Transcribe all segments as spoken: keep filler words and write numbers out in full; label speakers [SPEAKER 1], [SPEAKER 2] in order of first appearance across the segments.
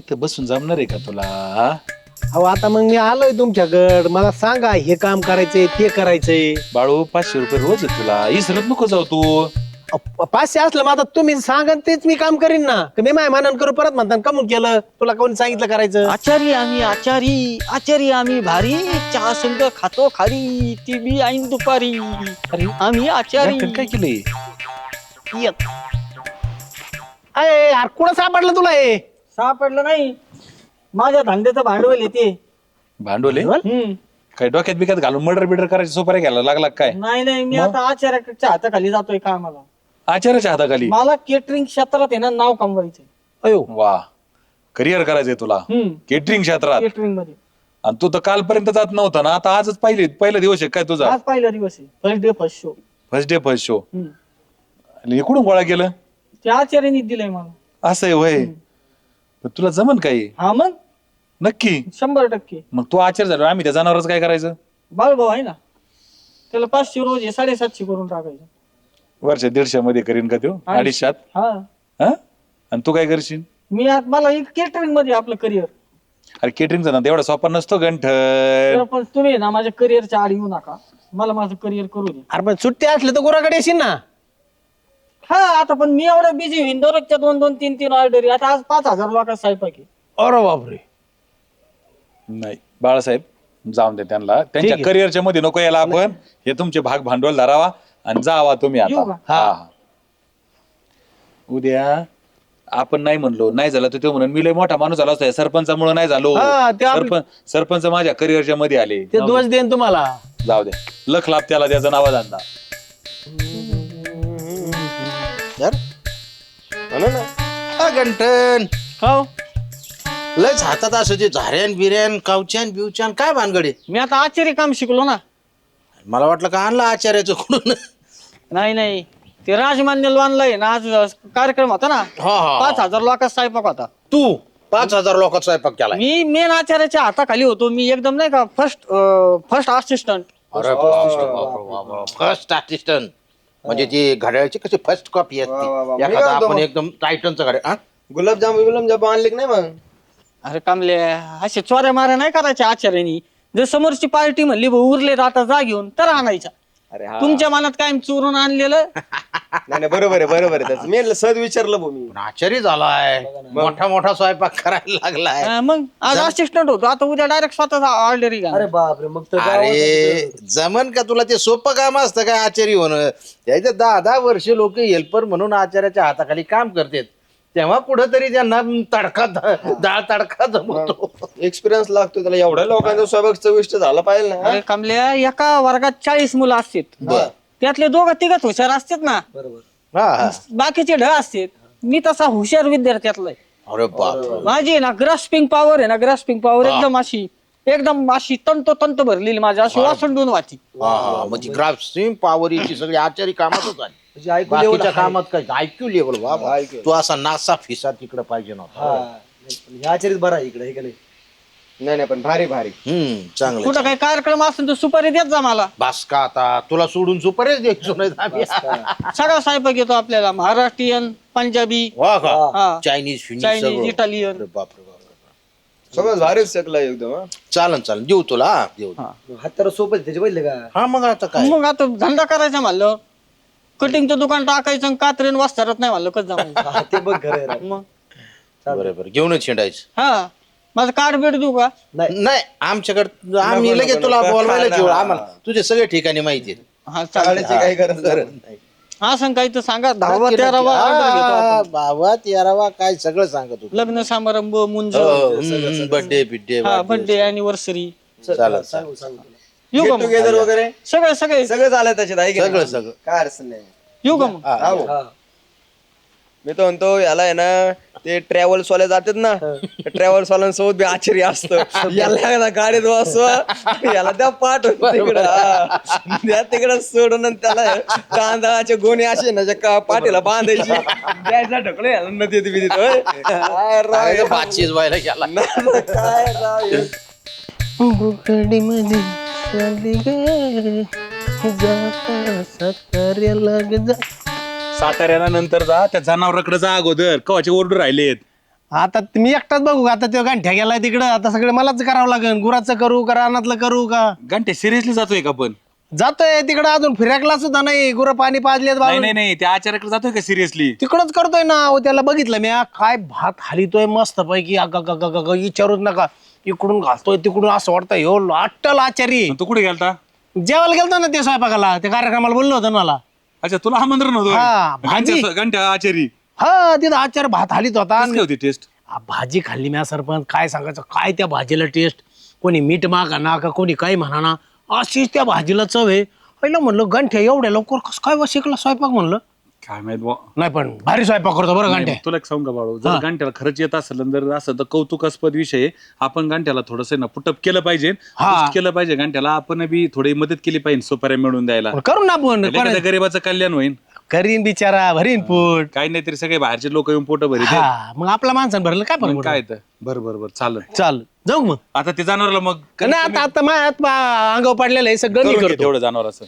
[SPEAKER 1] इथं बसून जमणार आहे का तुला?
[SPEAKER 2] अहो आता मग मी आलोय तुमच्याकडं, मला सांगा हे काम करायचंय ते करायचंय.
[SPEAKER 1] बाळू पाचशे रुपये रोज आहे तुला, इसरत नको जाऊ तू.
[SPEAKER 2] अहो, पाचशे असलं मग आता तुम्ही सांगा तेच मी काम करीन ना. मी माय मानन करू परत म्हणता कमून केलं, तुला कोणी सांगितलं करायचं?
[SPEAKER 3] आचारी आम्ही आचारी आचारी आम्ही भारी चहा संग खातो खारी ती बी ऐन दुपारी
[SPEAKER 1] अरे
[SPEAKER 3] आम्ही आचारी
[SPEAKER 1] यार, काय केलंय?
[SPEAKER 3] येत.
[SPEAKER 2] अरे यार कुठं सापडलं तुला हे?
[SPEAKER 3] सापडलं नाही, माझ्या धंद्याचं भांडवल येते.
[SPEAKER 1] भांडवले
[SPEAKER 3] हम्म.
[SPEAKER 1] काय डोक्यात बिक्यात घालून मर्डर बिर्डर करायची सोपाऱ्या घ्यायला लागला काय?
[SPEAKER 3] नाही नाही मी आता आचार्याच्या हाताखाली जातोय कामाला.
[SPEAKER 1] आचार्याच्या हाताखाली?
[SPEAKER 3] मला केटरिंग क्षेत्रात आहे ना नाव कमवायचंय.
[SPEAKER 2] अयो
[SPEAKER 1] वा, करिअर करायचंय तुला केटरिंग क्षेत्रात.
[SPEAKER 3] केटरिंग मध्ये
[SPEAKER 1] आणि तू तर कालपर्यंत जात नव्हता ना, आता आजच पहिले पहिला दिवस आहे काय तुझा?
[SPEAKER 3] आज पहिला दिवस आहे, first day first show.
[SPEAKER 1] First day first show. आणि इकडून गोळा केलं
[SPEAKER 3] ते आचार्याने दिलंय मला.
[SPEAKER 1] असं आहे वय. तुला जमन काही?
[SPEAKER 3] हा मग
[SPEAKER 1] नक्की?
[SPEAKER 3] शंभर टक्के.
[SPEAKER 1] मग तू आचार्य झालो, आम्ही त्या जनावरच काय करायचं?
[SPEAKER 3] बाळभाऊ आहे ना, त्याला पाचशे रोज आहे साडेसातशे करून टाकायचं.
[SPEAKER 1] वर्ष दीडशे मध्ये करीन का तो? अडीचशात?
[SPEAKER 3] हा
[SPEAKER 1] हा? आणि तू काय करशील?
[SPEAKER 3] मी आज मला केटरिंग मध्ये आपलं करिअर.
[SPEAKER 1] अरे केटरिंगचा ना तेवढा सोपा नसतो गंठन.
[SPEAKER 3] पण तुम्ही ना माझ्या करिअरच्या आड येऊ नका, मला माझं करिअर करू दे.
[SPEAKER 2] अरे पण सुट्टी असली तर गुराकडे येशील ना.
[SPEAKER 3] हा आता पण मी एवढं बिझी होईन, दररोजच्या दोन दोन तीन तीन ऑर्डर. आता आज पाच हजार लोकांचा स्वयंपाक आहे.
[SPEAKER 2] अरे बापरे.
[SPEAKER 1] नाही बाळासाहेब, जाऊन दे त्यांना, त्यांच्या
[SPEAKER 2] आहे.
[SPEAKER 1] करिअरच्या मध्ये नको यायला. आपण हे तुमचे भाग भांडवल धरावा आणि जावा तुम्ही
[SPEAKER 3] येऊ
[SPEAKER 1] आता.
[SPEAKER 3] का?
[SPEAKER 1] हा हा. उद्या आपण नाही म्हणलो, नाही झालं तर तो म्हणून मी लय मोठा माणूस झाला असतो, सरपंचामुळे नाही झालो.
[SPEAKER 2] हा, ते आपलं-
[SPEAKER 1] सरपंच सरपंच माझ्या करिअरच्या मध्ये आले.
[SPEAKER 2] ते दोष देईन तुम्हाला.
[SPEAKER 1] जाऊ दे, लख लाभ त्याला त्याचा नावा धंदा.
[SPEAKER 4] यार म्हणा ना. हा गंठन
[SPEAKER 3] हो
[SPEAKER 4] लयच हातात असं ते झाऱ्यान बिर्यान कावच्यान बिवच्यान काय भानगडे?
[SPEAKER 3] मी आता आचार्य काम शिकलो ना.
[SPEAKER 4] मला वाटलं का आणलं आचार्याचं कुठून.
[SPEAKER 3] नाही नाही, ते राजमान्य आणलंय ना, आज कार्यक्रम होता ना,
[SPEAKER 4] हा हा
[SPEAKER 3] पाच हजार लोकांचा स्वयंपाक होता.
[SPEAKER 4] तू पाच हजार लोकांचा स्वयंपाक केला.
[SPEAKER 3] मी मेन आचार्याच्या हाताखाली होतो. मी एकदम नाही का first first assistant.
[SPEAKER 4] First assistant म्हणजे ती घड्याळची कशी फर्स्ट कॉपी असते एखादा आपण एकदम टायटनचं घड्याळ.
[SPEAKER 5] गुलाबजाम गुलाबजाम आणले की नाही मग?
[SPEAKER 3] अरे कामले, असे चोऱ्या माऱ्या नाही करायच्या आचार्यानी. जर समोरची पार्टी म्हणली भाऊ उरले आता जा घेऊन, तर आणायच्या.
[SPEAKER 5] अरे हा
[SPEAKER 3] तुमच्या मनात काय चोरून आणलेलं?
[SPEAKER 5] नाही नाही, बरोबर आहे बरोबर आहे त्याचं. मी सहज विचारलं भाऊ मी.
[SPEAKER 4] आचार्य झालाय, मोठा मोठा स्वयंपाक करायला लागलाय.
[SPEAKER 3] हा, मग आज असिस्टंट होतो, आता उद्या डायरेक्ट स्वतः ऑर्डर घ्या.
[SPEAKER 5] अरे बापरे, मग तर
[SPEAKER 4] अरे जमन का तुला? ते सोपं काम असतं काय आचार्य होणं? त्याचे दहा दहा वर्ष लोक हेल्पर म्हणून आचार्याच्या हाताखाली काम करतात, तेव्हा कुठंतरी त्यांना तडका डाळ तडका जमतो.
[SPEAKER 5] एक्सपिरियन्स लागतो त्याला. एवढ्या लोकांचा स्वयंपाक चविष्ट झाला पाहिजे ना.
[SPEAKER 3] अरे कमल्या, एका वर्गात चाळीस मुलं असतात, त्यातले दोघं तिघच हुशार असतात ना,
[SPEAKER 5] बरोबर.
[SPEAKER 4] हा हा.
[SPEAKER 3] बाकीचे ढ असतात. मी तसा हुशार विद्यार्थ्यातला आहे.
[SPEAKER 4] अरे बाप.
[SPEAKER 3] माझी आहे ना ग्रास्पिंग पॉवर आहे ना, ग्रास्पिंग पॉवर एकदम अशी एकदम अशी तंत तंत भरलेली माझी, अशी वासंडून वाची.
[SPEAKER 4] हा हा, म्हणजे ग्राफ्सिंग पॉवरची सगळी आचारी कामातच आहे.
[SPEAKER 5] म्हणजे ऐकू
[SPEAKER 4] बाकीच्या
[SPEAKER 5] लेवल
[SPEAKER 4] कामात काय आयक्यू लेवल बाबा.
[SPEAKER 5] IQ.
[SPEAKER 4] तू असा नासा फिसा तिकडे पाहिजे नव्हता.
[SPEAKER 5] ह्या चरित बरा इकडे हे का नाही? नाही नाही, पण भारी भारी.
[SPEAKER 4] हम्म चांगलं.
[SPEAKER 3] कुठं काही कार्यक्रम असेल तर सुपारी देत जा मला.
[SPEAKER 4] बास का आता तुला सोडून सुपरेच द्यायचो नाही आम्ही.
[SPEAKER 3] सगळा स्वयंपाक येतो आपल्याला, महाराष्ट्रीयन, पंजाबी,
[SPEAKER 4] वा का
[SPEAKER 3] हा,
[SPEAKER 4] चायनीज फिनिश
[SPEAKER 3] चायनीज, इटालियन.
[SPEAKER 4] बापरे बाप.
[SPEAKER 5] सगळं भारीच शकला एकदम. हा.
[SPEAKER 4] चालन चालन देऊ तुला हा, देऊ.
[SPEAKER 3] हा.
[SPEAKER 5] हात तर सोबत त्याचे पहिले का?
[SPEAKER 4] हा मग आता काय
[SPEAKER 3] मग आता धंदा करायचा म्हणलं, कटिंगचं दुकान टाकायचं आणि कात्रीन वाचतारत नाही म्हणलं कसं जमायचं?
[SPEAKER 5] हा, ते बघ घर आहे राव.
[SPEAKER 3] मग
[SPEAKER 4] बरोबर घेऊनच हिंडायचं.
[SPEAKER 3] हा, माझं कार्ड भेट देऊ का?
[SPEAKER 4] नाही आमच्याकडे आम्ही
[SPEAKER 5] नको,
[SPEAKER 4] लगेच
[SPEAKER 5] नको,
[SPEAKER 4] तुला
[SPEAKER 5] नको.
[SPEAKER 4] बोलवायला
[SPEAKER 5] हा,
[SPEAKER 4] जेवढ
[SPEAKER 5] हा,
[SPEAKER 4] आम्हाला तुझे सगळे ठिकाणी माहिती आहेत.
[SPEAKER 3] हा चालेल.
[SPEAKER 5] काढायची काही गरज नाही.
[SPEAKER 3] हा सांग काही तर सांगा, दहावा तेरावा order घेतो
[SPEAKER 4] हा,
[SPEAKER 3] आपण.
[SPEAKER 4] बाबा तेरावा काय सगळं सांगत होतो.
[SPEAKER 3] लग्न समारंभ, मुंज,
[SPEAKER 4] बर्थडे बिड्डे
[SPEAKER 3] हा बर्थडे, अॅनिव्हर्सरी.
[SPEAKER 4] चालेल
[SPEAKER 5] सांगू सांगू तुला.
[SPEAKER 3] येऊ का मग?
[SPEAKER 5] टुगेदर वगैरे
[SPEAKER 3] सगळे सगळे
[SPEAKER 5] सगळं झालं त्याच्यात आहे की नाही?
[SPEAKER 4] सगळं सगळं
[SPEAKER 5] काय अडचण नाही.
[SPEAKER 3] येऊ का मग?
[SPEAKER 4] हा.
[SPEAKER 5] हा. मी तो म्हणतो याला आहे ना, ते ट्रॅव्हल्स वाले जातात ना, ट्रॅव्हल्स वाल्यांसोबत बी आश्चर्य असतं. याला एकदा गाडीत बसवा, याला त्या पाठ तिकडं हा. त्या तिकडं सोडून आणि त्याला तांदळाचे गोणे असे ना जे का पाठीला बांधायची, द्यायचा ढकलो याला नदी येते बिदीत. होय. काय राव
[SPEAKER 4] काय
[SPEAKER 5] हे.
[SPEAKER 4] गं, भाचीच व्हायला गेला.
[SPEAKER 5] काय राव हे.
[SPEAKER 1] साताऱ्याला नंतर जा, त्या जनावराकडे जा अगोदर, कवाचे ओरडू राहिलेत.
[SPEAKER 2] आता मी एकटाच बघू आता तो गांठ्या गेलाय तिकडं आता सगळं मलाच करावं लागेल गुराचं करू का रानातलं करू का
[SPEAKER 1] घंटे सिरियसली जातोय का पण
[SPEAKER 2] जातोय तिकडं अजून फिराकला सुद्धा नाही गुरं पाणी पाजलेत
[SPEAKER 1] नाही नाही नाही त्या आचार्याकडे जातोय का सिरियसली
[SPEAKER 2] तिकडच करतोय ना अहो, त्याला बघितलं मी आ, काय भात हालितोय मस्त पैकी विचारूच नका इकडून घालतोय तिकडून असं वाटतं ह्यो अट्टल आचारी
[SPEAKER 1] तू कुठे गेलता
[SPEAKER 2] जेवायला गेलतो ना ते स्वयंपाकाला त्या कार्यक्रमाला बोललो होतं ना मला
[SPEAKER 1] अच्छा तुला आमंत्रण
[SPEAKER 2] हा,
[SPEAKER 1] होतं
[SPEAKER 2] भाजी.
[SPEAKER 1] घंट्या घंट्या आचारी
[SPEAKER 2] हा तिथं आचार भात हालीत होता
[SPEAKER 1] कसं काय होती टेस्ट
[SPEAKER 2] आ, भाजी खाल्ली मी सरपंच काय सांगायचं काय त्या भाजीला टेस्ट कोणी मीठ मागा ना का कोणी काही म्हणा ना अशीच त्या भाजीला चव आहे पहिलं म्हणलं गंठ्या एवढ्या लवकर कसं काय बा शिकला स्वयंपाक म्हणलं
[SPEAKER 1] काय माहित बुवा.
[SPEAKER 2] नाही पण भारी स्वयंपाक करतो बरं गंठ्या
[SPEAKER 1] तुला एक सांगू का बाळू जर घंट्याला खरंच येत असेल आणि जर असं तर कौतुकास्पद विषय आहे. आपण घंट्याला थोडस ना पुटअप केलं पाहिजे
[SPEAKER 2] हा.
[SPEAKER 1] boost केलं पाहिजे घंट्याला आपण बी थोडी मदत केली पाहिजे सोपाऱ्या मिळून द्यायला
[SPEAKER 2] पण करू ना आपण
[SPEAKER 1] एखाद्या गरीबाचं कल्याण होईल
[SPEAKER 2] करीन बिचारा भरीन पोट
[SPEAKER 1] काही नाही तरी सगळे बाहेरचे लोक येऊन पोट भरीत
[SPEAKER 2] हा मग आपला माणसानं भरलं काय
[SPEAKER 1] मग
[SPEAKER 2] पण
[SPEAKER 1] काय तर बर बर बर चालेल
[SPEAKER 2] चाल जाऊ मग
[SPEAKER 1] आता ते जनावरला मग
[SPEAKER 2] नाही आता आता माझ्या अंगावर पडलेलं आहे सगळं मी
[SPEAKER 1] करून घे
[SPEAKER 2] करतो
[SPEAKER 1] तेवढं जनावर असं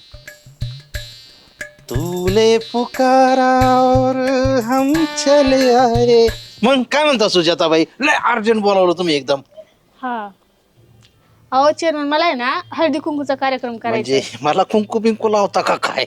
[SPEAKER 4] तुले पुकारा और हम चले आए. मग काय म्हणता सुजाताबाई लय अर्जंट बोलावलं तुम्ही एकदम
[SPEAKER 6] हा अहो चेअरमन मला आहे ना हळदी कुंकूचा कार्यक्रम करायचा
[SPEAKER 4] म्हणजे मला कुंकू बिंकू लावता का काय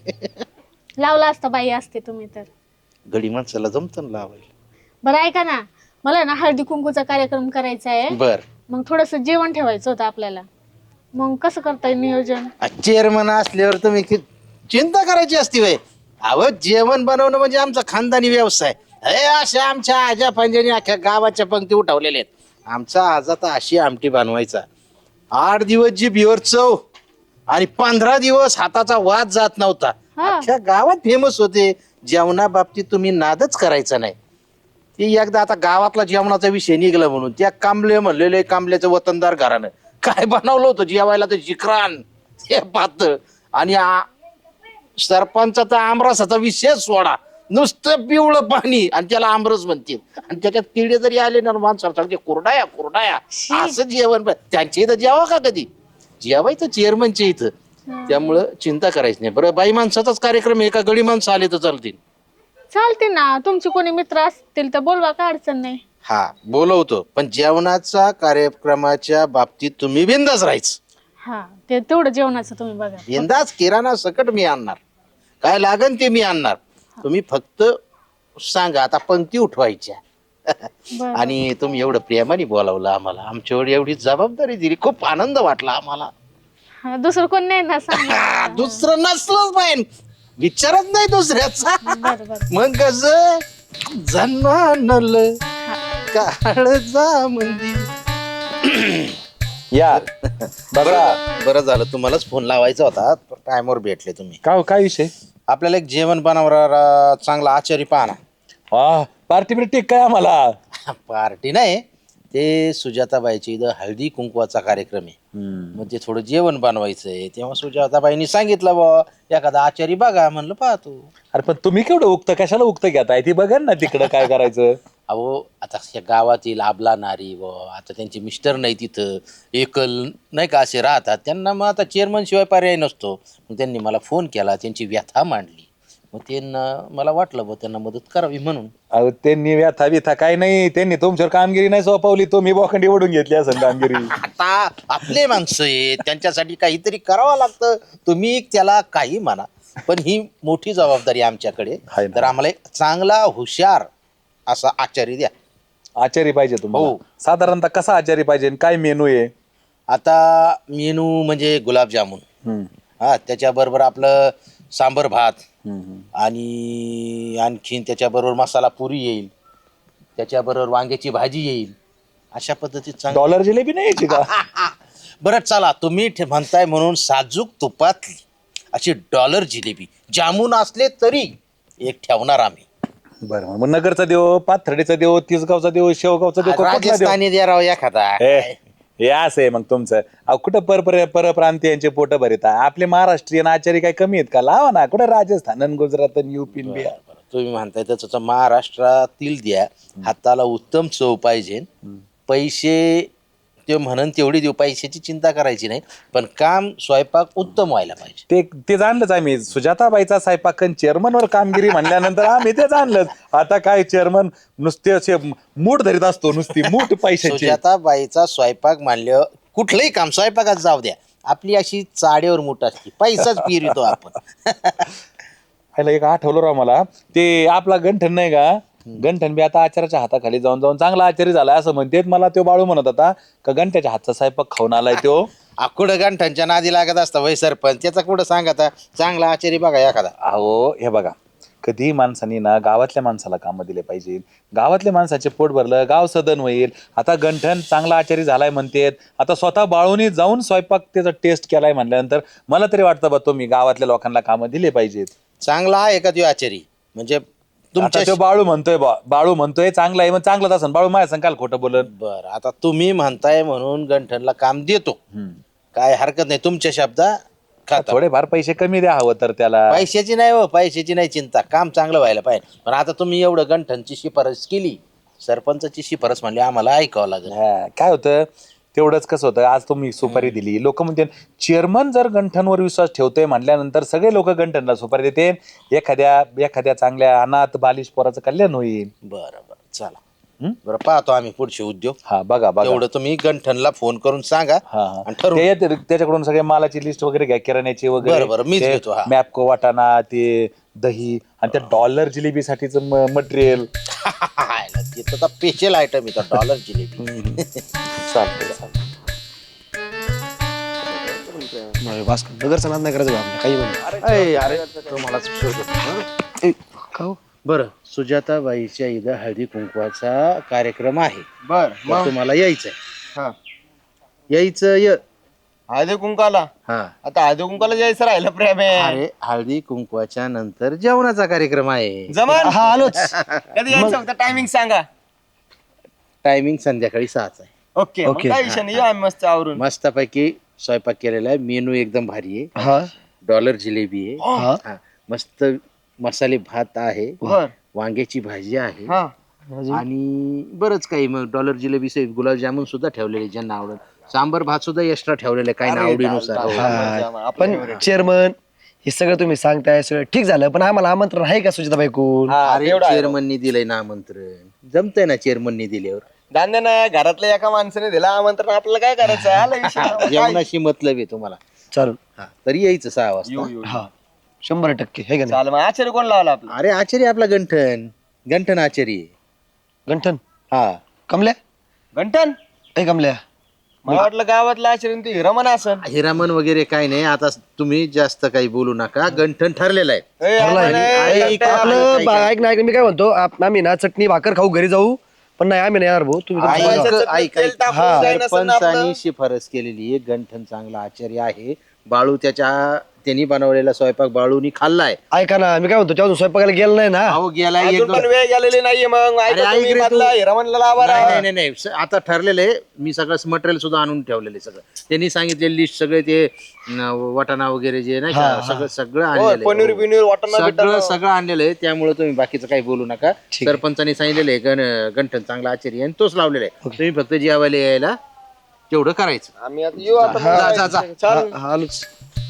[SPEAKER 6] लावला असता बाई असते तुम्ही तर
[SPEAKER 4] गडी माणसाला जमतं ना लावायला.
[SPEAKER 6] बरं ऐका ना मला आहे ना हळदी कुंकूचा कार्यक्रम करायचा आहे
[SPEAKER 4] बर
[SPEAKER 6] मग थोडस जेवण ठेवायचं होतं आपल्याला मग कसं करता येईल नियोजन
[SPEAKER 4] चेअरमन असल्यावर तुम्ही कि- चिंता करायची असती वय अहो जेवण बनवणं म्हणजे आमचा खानदानी व्यवसाय हे अशा आमच्या आजा पंजानी अख्ख्या गावाच्या पंक्ती उठवलेल्या आहेत. आमचा आज आता अशी आमटी बनवायचा आठ दिवस जी बिवर चव आणि पंधरा दिवस हाताचा वाद जात नव्हता.
[SPEAKER 6] हा.
[SPEAKER 4] अख्ख्या गावात फेमस होते. जेवणा बाबतीत तुम्ही नादच करायचा नाही. ती एकदा आता गावातला जेवणाचा विषय निघला म्हणून त्या कांबले म्हणलेले कांबल्याचं वतनदार घरानं काय बनवलं होतं जेवायला तर जिकरान ते पातळ आणि आ- सरपंचाचा आमरसाचा विषय सोडा नुसतं पिवळं पाणी आणि त्याला आमरस म्हणतील आणि त्याच्यात किडे जरी आले ना माणसाला ते कुरडाया कुरडाया असं जेवण बन- त्यांच्या इथं जेवा का कधी जेवायचं चेअरमनच्या इथं त्यामुळं चिंता करायची नाही. बरं बाई माणसाचाच कार्यक्रम आहे का गडी माणसं आले तर चालतील.
[SPEAKER 6] चालते ना तुमचे कोणी मित्र असतील तर बोलवा काय अडचण नाही.
[SPEAKER 4] हा बोलवतो पण जेवणाचा कार्यक्रमाच्या बाबतीत तुम्ही बिंदास राहायचं.
[SPEAKER 6] हा ते तेवढं जेवणाचं तुम्ही बघा
[SPEAKER 4] बिंदास किराणा सकट मी आणणार काय लागन ते मी आणणार. तुम्ही फक्त सांगा आता पंक्ती उठवायच्या
[SPEAKER 6] बरं.
[SPEAKER 4] आणि तुम्ही एवढं प्रेमाने बोलावलं आम्हाला आमच्यावर एवढी जबाबदारी दिली खूप आनंद वाटला आम्हाला.
[SPEAKER 6] हा, दुसरं कोण नाही ना सांगा
[SPEAKER 4] हा, दुसरं नसलंच पाहिजे विचारत नाही दुसऱ्याचा
[SPEAKER 6] बरं बरं
[SPEAKER 4] मग कस जन्मानल काळजा मंदी
[SPEAKER 1] या
[SPEAKER 4] बरं बरं झालं तुम्हालाच फोन लावायचा होता टायमवर भेटले तुम्ही.
[SPEAKER 1] काय काय विषय
[SPEAKER 4] आपल्याला एक जेवण बनवणारा चांगला आचारी पाहना.
[SPEAKER 1] हा पार्टी बिर्टी काय आम्हाला
[SPEAKER 4] पार्टी नाही ते सुजाताबाईची इथं हळदी कुंकवाचा कार्यक्रम आहे मग ते थोडं जेवण बनवायचंय तेव्हा सुजाताबाईंनी सांगितलं बा एखादा आचारी बघा म्हणलं पाहतो.
[SPEAKER 1] अरे पण तुम्ही केवढं उगतं कशाला उगतं घेताय ती बघा ना तिकडं काय करायचं
[SPEAKER 4] अहो आता या गावातील आबला नारी व आता त्यांचे मिस्टर नाही तिथं एकल नाही का असे राहतात त्यांना मग आता चेअरमन शिवाय पर्याय नसतो. मग त्यांनी मला फोन केला त्यांची व्यथा मांडली मग त्यांना मला वाटलं बा त्यांना मदत करावी म्हणून.
[SPEAKER 1] अहो त्यांनी व्यथा बिथा काय नाही त्यांनी तुमच्यावर कामगिरी नाही सोपवली तुम्ही बोखंडी ओढून घेतली असं कामगिरी
[SPEAKER 4] आता आपले माणसं आहेत त्यांच्यासाठी काहीतरी करावं लागतं. तुम्ही त्याला काही म्हणा पण ही मोठी जबाबदारी आमच्याकडे
[SPEAKER 1] आहे ना.
[SPEAKER 4] तर आम्हाला एक चांगला हुशार असा आचारी द्या.
[SPEAKER 1] आचारी पाहिजे तुम्हाला
[SPEAKER 4] हो.
[SPEAKER 1] साधारणतः कसा आचारी पाहिजे आणि काय मेनू आहे
[SPEAKER 4] आता मेनू म्हणजे गुलाबजामुन
[SPEAKER 1] हम्म,
[SPEAKER 4] हा त्याच्याबरोबर आपलं सांबर भात
[SPEAKER 1] हम्म, हम्म.
[SPEAKER 4] आणि आणखीन त्याच्याबरोबर मसाला पुरी येईल त्याच्याबरोबर वांग्याची भाजी येईल अशा पद्धतीत चांगलं.
[SPEAKER 1] डॉलर जिलेबी नाही यायची का
[SPEAKER 4] बरं चला तुम्ही ठे- म्हणताय म्हणून साजूक तुपातली अशी डॉलर जिलेबी जामून असले तरी एक ठेवणार आम्ही.
[SPEAKER 1] बरं मग नगरचा देव पाथर्डीचा देव तिसगावचा देव शेवगावचा देव कुठला देव
[SPEAKER 4] राजस्थानी द्या राव एखादा.
[SPEAKER 1] हे हे असं आहे मग तुमचं अहो कुठं पर परप्रांतीयांचे पोट भरित आपले महाराष्ट्रीयन आचारी काय कमी आहेत का लावा ना कुठं राजस्थान आणि गुजरात आणि युपी आणि बिहार
[SPEAKER 4] तुम्ही म्हणताय तसं महाराष्ट्रातील द्या हाताला उत्तम चव पाहिजे पैसे ते म्हणून तेवढी देऊ, पैशाची चिंता करायची नाही, पण काम स्वयंपाक उत्तम व्हायला पाहिजे.
[SPEAKER 1] ते ते जाणलंच आम्ही. सुजाताबाईचा स्वयंपाकन चेअरमनवर कामगिरी म्हणल्यानंतर आम्ही ते जाणलंच. आता काय चेअरमन नुसते असे मूठ धरीत असतो, नुसती मूठ पैशाची.
[SPEAKER 4] सुजाताबाईचा स्वयंपाक मानल्यावर कुठलंही काम स्वयंपाकात जाऊ द्या, आपली अशी चाड्यावर मूठ असते, पैसाच पिरतो आपण.
[SPEAKER 1] ह्याला एक आठवलं राव मला, ते आपला गंठन नाही का, गंठन बी आता आचार्याच्या हाताखाली जाऊन जाऊन चांगला आचार्य झालाय असं म्हणतेत. मला तो बाळू म्हणत होता का गंठ्याच्या हातचा स्वयंपाक खाऊन आलाय तो.
[SPEAKER 4] कुठं गांठ्यांच्या नादी लागत असता वय सरपंच, त्याचा कुठं सांगता चांगला आचारी बघा एखादा.
[SPEAKER 1] अहो हे बघा, कधी माणसांनी ना गावातल्या माणसाला कामं दिले पाहिजे. गावातल्या माणसाचे पोट भरलं, गाव सदन होईल. आता गंठन चांगला आचारी झालाय म्हणतेत, आता स्वतः बाळूनी जाऊन स्वयंपाक त्याचा टेस्ट केलाय म्हणल्यानंतर मला तरी वाटतं बा तुम्ही गावातल्या लोकांना कामं दिले पाहिजेत.
[SPEAKER 4] चांगला आहे का तो आचारी? म्हणजे
[SPEAKER 1] तुमच्या तो बाळू म्हणतोय बा, बाळू म्हणतोय चांगला आहे, मग चांगलाच असं. बाळू माझ्या संग काल खोटं बोलत.
[SPEAKER 4] बर, आता तुम्ही म्हणताय म्हणून गंठनला काम देतो, काय हरकत नाही, तुमच्या शब्दा खाता.
[SPEAKER 1] थोडेफार पैसे कमी द्या हवं तर त्याला.
[SPEAKER 4] पैशाची नाही हो, पैशाची नाही चिंता, काम चांगलं व्हायला पाहिजे. पण आता तुम्ही एवढं गंठनची शिफारस केली, सरपंचाची शिफारस म्हणली, आम्हाला ऐकावं लागेल.
[SPEAKER 1] हा, काय होतं तेवढंच कसं होतं, आज तुम्ही सुपारी दिली, लोक म्हणते चेअरमन जर गंठनवर विश्वास ठेवतोय म्हटल्यानंतर सगळे लोक गंठनला सुपारी देते. एखाद्या एखाद्या चांगल्या अनाथ बालिश पोराचं कल्याण होईल.
[SPEAKER 4] बरं बरं, चला बरं, पाहतो आम्ही पुढचे उद्योग.
[SPEAKER 1] हा बघा बघा,
[SPEAKER 4] एवढं तुम्ही गंठनला फोन करून सांगा
[SPEAKER 1] हा
[SPEAKER 4] आणि ठरवू.
[SPEAKER 1] ते येते- त्याच्याकडून सगळे मालाची लिस्ट वगैरे घ्या, किराण्याची
[SPEAKER 4] बरं, बरं,
[SPEAKER 1] वगैरे,
[SPEAKER 4] मीच घेतो, हा.
[SPEAKER 1] मॅपको वाटाणा, ते दही आणि त्या डॉलर जिलेबीसाठीच मटेरियल.
[SPEAKER 4] तिथं तर स्पेशल आयटम येतात, डॉलर जिलेबी.
[SPEAKER 1] चालतंय चालतंय.
[SPEAKER 2] नगरचा नाद नाही करायचं आपल्या काही म्हणा.
[SPEAKER 4] अरे अरे, तुम्हालाच शोधतो. बरं, सुजाताबाईच्या इथं हळदी कुंकवाचा कार्यक्रम आहे.
[SPEAKER 5] बर
[SPEAKER 4] तर तुम्हाला यायचंय.
[SPEAKER 5] हा.
[SPEAKER 4] यायचं य
[SPEAKER 5] हळदी कुंकाला,
[SPEAKER 4] हा.
[SPEAKER 5] आता हळदी कुंकाला जायचं राहिलं प्रेम आहे.
[SPEAKER 4] अरे हळदी कुंकवाच्या नंतर जेवणाचा कार्यक्रम आहे.
[SPEAKER 5] जमान
[SPEAKER 2] हा आलोच.
[SPEAKER 5] कधी यायचं फक्त टायमिंग सांगा.
[SPEAKER 4] टायमिंग संध्याकाळी सहाचा आहे.
[SPEAKER 5] ओके मग काय विषय नाही, येऊ आम्ही मस्त आवरून.
[SPEAKER 4] मस्तपैकी स्वयंपाक केलेला आहे, मेनू एकदम भारी आहे.
[SPEAKER 2] हा
[SPEAKER 4] डॉलर जिलेबी आहे,
[SPEAKER 2] हा
[SPEAKER 4] हा. मस्त मसाले भात आहे,
[SPEAKER 5] बर
[SPEAKER 4] वांग्याची भाजी आहे,
[SPEAKER 5] हा
[SPEAKER 4] आणि बरंच काही. मग डॉलर जिलेबी सहित गुलाबजामुन सुद्धा ठेवलेले ज्यांना आवडत. सांबर भात सुद्धा एक्स्ट्रा ठेवलेले काही ना आवडीनुसार.
[SPEAKER 2] पण चेअरमन हे सगळं तुम्ही सांगताय सगळं ठीक झालं, पण आम्हाला आमंत्रण आहे का सुजाताबाई कोण?
[SPEAKER 4] अरे चेअरमननी दिलंय ना आमंत्रण, जमतंय ना चेअरमननी दिल्यावर.
[SPEAKER 5] दांद्या ना घरातल्या एका माणसाने दिला आमंत्रण, आपल्याला काय करायचं आहे? आला विषय.
[SPEAKER 4] जेवणाशी मतलब आहे तुम्हाला.
[SPEAKER 2] चालेल.
[SPEAKER 4] हा, तरी यायचं सहा
[SPEAKER 5] येऊ
[SPEAKER 4] वाजता.
[SPEAKER 5] येऊ
[SPEAKER 2] हा शंभर टक्के हे का नाही?
[SPEAKER 5] चाल मग आचार्य कोण लावला आपला?
[SPEAKER 4] अरे आचार्य आपला गंठन, गंठन आचार्य.
[SPEAKER 2] गंठन
[SPEAKER 4] हा,
[SPEAKER 2] कमल्या
[SPEAKER 5] घंटन.
[SPEAKER 2] ए कमल्या
[SPEAKER 5] मला वाटलं गावातला आचार्य ते रमण असन.
[SPEAKER 4] हिरामन वगैरे काय नाही. आता तुम्ही जास्त काही बोलू नका, गंठन ठरलेलं आहे.
[SPEAKER 5] ए, रमण आहे,
[SPEAKER 4] ऐक,
[SPEAKER 5] घंटन.
[SPEAKER 2] आपलं बा- ऐक ना ऐक ना, मी काय म्हणतो आप- आम्ही ना चटणी भाकर खाऊ घरी जाऊ, पण नाही आम्ही नाही येणार भाऊ, तुम्ही तुमचं
[SPEAKER 4] ऐक,
[SPEAKER 2] बघा.
[SPEAKER 4] ऐक,
[SPEAKER 5] तेल
[SPEAKER 4] ऐक.
[SPEAKER 5] टाकून जाईन असं ना आपलं.
[SPEAKER 4] सरपंचानी शिफारस केलेली आहे, गंठन चांगला आचार्य आहे. बाळू त्याच्या त्यांनी बनवलेला स्वयंपाक बाळूनी खाल्लाय.
[SPEAKER 2] ऐका ना, मी काय म्हणतो तेव्हा स्वयंपाकाला गेलं नाही ना.
[SPEAKER 4] अहो गेला एक
[SPEAKER 5] अजून
[SPEAKER 4] दोन.
[SPEAKER 5] पण वेळ गेलेली नाहीये. मग
[SPEAKER 4] अरे,
[SPEAKER 5] ऐका
[SPEAKER 4] ऐक
[SPEAKER 5] तुम्ही
[SPEAKER 4] रे तू.
[SPEAKER 5] मधला हिरामणला लावा
[SPEAKER 4] नाही,
[SPEAKER 5] राव.
[SPEAKER 4] नाही नाही नाही स- आता ठरलेलं आहे. मी सगळं मटेरियल सुद्धा आणून ठेवलेलं आहे. सगळं त्यांनी सांगितलेली लिस्ट, सगळे ते न, वाटाणा वगैरे जे नाही का, सगळं सगळं
[SPEAKER 5] हो,
[SPEAKER 4] आणलेलं
[SPEAKER 5] पनीर
[SPEAKER 4] आहे.
[SPEAKER 5] बिनीर वाटण
[SPEAKER 4] सगळं सगळं आणलेलं आहे. त्यामुळे तुम्ही बाकीचं काही बोलू नका. सरपंचानी सांगितलेलं आहे गण गंठन चांगला आचार्य आहे आणि तोच लावलेला आहे. तुम्ही फक्त जेवायला यायला तेवढं करायचं.
[SPEAKER 5] आम्ही आता येऊ आता.
[SPEAKER 4] जा, जा, जा.
[SPEAKER 5] चाल.
[SPEAKER 2] हा, आलोच.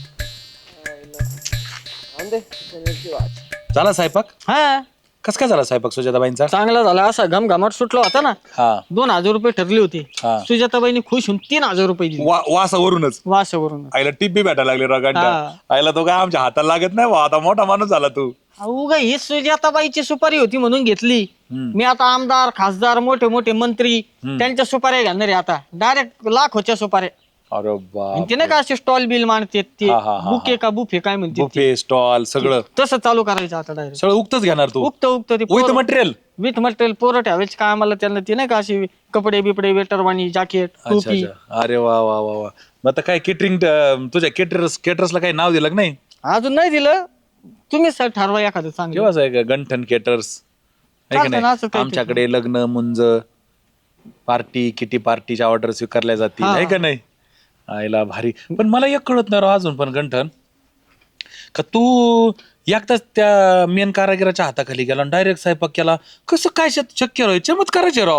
[SPEAKER 1] झाला स्वयंपाक?
[SPEAKER 3] हा
[SPEAKER 1] कस काय झाला स्वयंपाक सुजाताबाईंचा?
[SPEAKER 3] चांगला झाला. असा घमघमाट सुटला होता ना.
[SPEAKER 1] हा,
[SPEAKER 3] दोन हजार रुपये ठरले होते.
[SPEAKER 1] हा.
[SPEAKER 3] सुजाताबाईने खुश होऊन तीन हजार रुपये दिले
[SPEAKER 1] वा- वासावरूनच
[SPEAKER 3] वासावरून.
[SPEAKER 1] आईला टिप्पी भेटायला लागली रगांडा.
[SPEAKER 3] हा.
[SPEAKER 1] आईला तो काय आमच्या हाताला लागत नाही बा, आता मोठा माणूस झाला तू.
[SPEAKER 3] उगा ही सुजाताबाईची सुपारी होती म्हणून घेतली. मी आता आमदार खासदार मोठे मोठे मंत्री त्यांच्या सुपाऱ्या घेणार आहे आता. डायरेक्ट लाखोच्या सुपाऱ्या.
[SPEAKER 1] अरे
[SPEAKER 3] आणि
[SPEAKER 1] बाप,
[SPEAKER 3] ते नाही का असे स्टॉल बिल मानते ते
[SPEAKER 1] हा, हा, हा,
[SPEAKER 3] बुके का बुफे काय म्हणते ते.
[SPEAKER 1] बुफे स्टॉल सगळं
[SPEAKER 3] तसं चालू करायचं आता डायरेक्ट.
[SPEAKER 1] सगळं उक्तच घेणार तू?
[SPEAKER 3] उक्त उक्त ते
[SPEAKER 1] विथ मटेरियल?
[SPEAKER 3] विथ मटेरियल पोरं ठेवायचे काय आम्हाला त्यांना ते नाही का असे कपडे बिपडे वेटरवाणी जॅकेट टोपी.
[SPEAKER 1] अरे वा वा वा वा. मग आता काय केटरिंग, तुझ्या केटरर्स केटरर्सला काही नाव दिलं का नाही?
[SPEAKER 3] अजून नाही दिलं. तुम्हीच सर ठरवा एखादं चांगलं.
[SPEAKER 1] केव्हाच आहे का गंठन केटर्स आहे का
[SPEAKER 3] चालतं ना, असं
[SPEAKER 1] नाही?
[SPEAKER 3] काहीतरी.
[SPEAKER 1] आमच्याकडे लग्न मुंज पार्टी किटी पार्टीच्या ऑर्डर स्वीकारल्या जातील आहे का नाही? आईला भारी. पण मला एक कळत नाही राव अजून पण गंठन, का तू एकदाच त्या मेन कारागिराच्या हाताखाली गेला डायरेक्ट स्वयंपाक केला, कसं काय शक- शक्य राव? चमत्काराचे राव.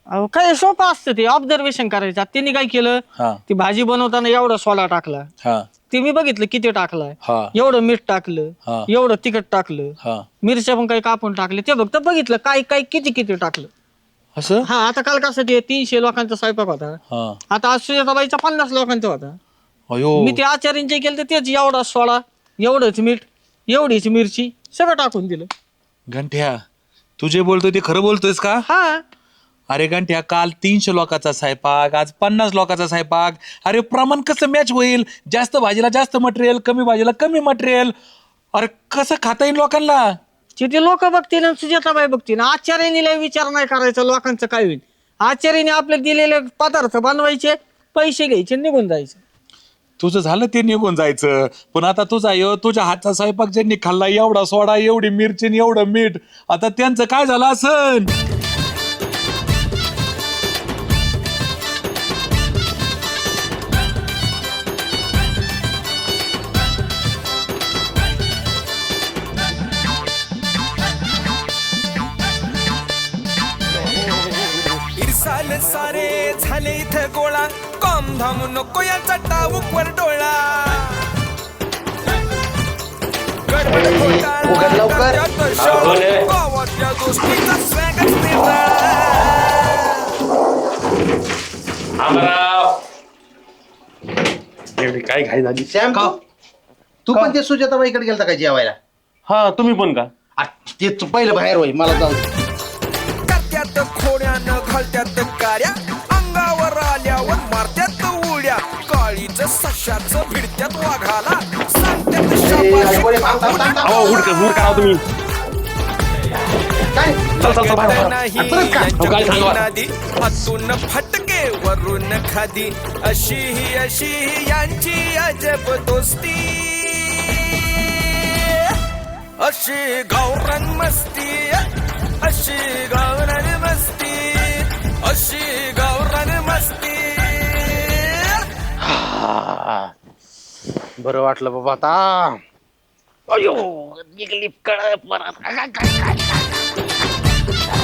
[SPEAKER 3] अहो काय सोपं असतं ते ऑब्झर्वेशन करायचं. त्यांनी काय केलं,
[SPEAKER 1] हा
[SPEAKER 3] ती भाजी बनवताना एवढा सोडा टाकला,
[SPEAKER 1] हा
[SPEAKER 3] ते मी बघितलं किती टाकलाय,
[SPEAKER 1] हा
[SPEAKER 3] एवढं मीठ टाकलं,
[SPEAKER 1] हा.
[SPEAKER 3] एवढं तिखट टाकलं,
[SPEAKER 1] हा
[SPEAKER 3] मिरच्या पण काही कापून टाकले, ते फक्त बघितलं काय काय किती किती टाकलं.
[SPEAKER 1] असं
[SPEAKER 3] हा आता काल कसं ते तीनशे लोकांचा स्वयंपाक होता,
[SPEAKER 1] हा
[SPEAKER 3] आता आज सुजाताबाईचा पन्नास लोकांचा होता.
[SPEAKER 1] अयो
[SPEAKER 3] मी ते आचार्यांचे केलं तर तेच एवढा सोडा, एवढंच मीठ, एवढीच मिरची सगळं टाकून दिलं.
[SPEAKER 1] घंट्या तू जे बोलतोय ते खरं बोलतोयस का?
[SPEAKER 3] हा
[SPEAKER 1] अरे घंट्या काल तीनशे लोकांचा स्वयंपाक, आज पन्नास लोकांचा स्वयंपाक. अरे प्रमाण कसं मॅच होईल? जास्त भाजीला जास्त मटेरियल, कमी भाजीला कमी मटेरियल. अरे कसं खाता येईल लोकांना?
[SPEAKER 3] तिथे लोक बघतील आणि सुजाताबाई बघतील. आचार्यांनी लय विचार नाही करायचा लोकांचं काय होईल. आचार्याने आपले दिलेले पदार्थ बनवायचे, पैसे घ्यायचे, निघून जायचे.
[SPEAKER 1] तुझं झालं ते निघून जायचं, पण आता तुझा यो तुझ्या हातचा स्वयंपाक ज्यांनी खाल्ला, एवढा सोडा, एवढी मिरची आणि एवढं मीठ, आता त्यांचं काय झालं असन?
[SPEAKER 7] इरसाल सारे झाले इथं गोळा, कॉम धाम नको याचा टाऊकवर डोळा. गडबड घोटाळा, त्यात शोध, गावातल्या गोष्टीचा स्वॅगच निराळा.
[SPEAKER 8] काय घाई झाली?
[SPEAKER 4] श्याम तू तू पण ते सुजाताबाईकडे गेलता का जेवायला?
[SPEAKER 8] हा तुम्ही पण का?
[SPEAKER 4] आ, ते तू पहिलं बाहेर होई, मला जाऊ दे.
[SPEAKER 7] करत्यात खोड्यानं घालत्यात कार्या, अंगावर आल्यावर मारत्यात उड्या. काळीच सशाचं भिडत्यात वाघाला, सांगत्यात शाबास.
[SPEAKER 8] अहो उठ उठ करा तुम्ही.
[SPEAKER 4] काय
[SPEAKER 8] चल चल चल बाहेर, बाहेर.
[SPEAKER 7] नाही
[SPEAKER 8] अहो, काय सांगू आता?
[SPEAKER 7] नादी हातून फटके वरून खादी, अशी ही अशी ही यांची अजब दोस्ती. अशी गावरान मस्ती, अशी गावरान मस्ती, अशी गावरान मस्ती.
[SPEAKER 4] बरं वाटलं बाबा आता. अयो निघली कळ परत.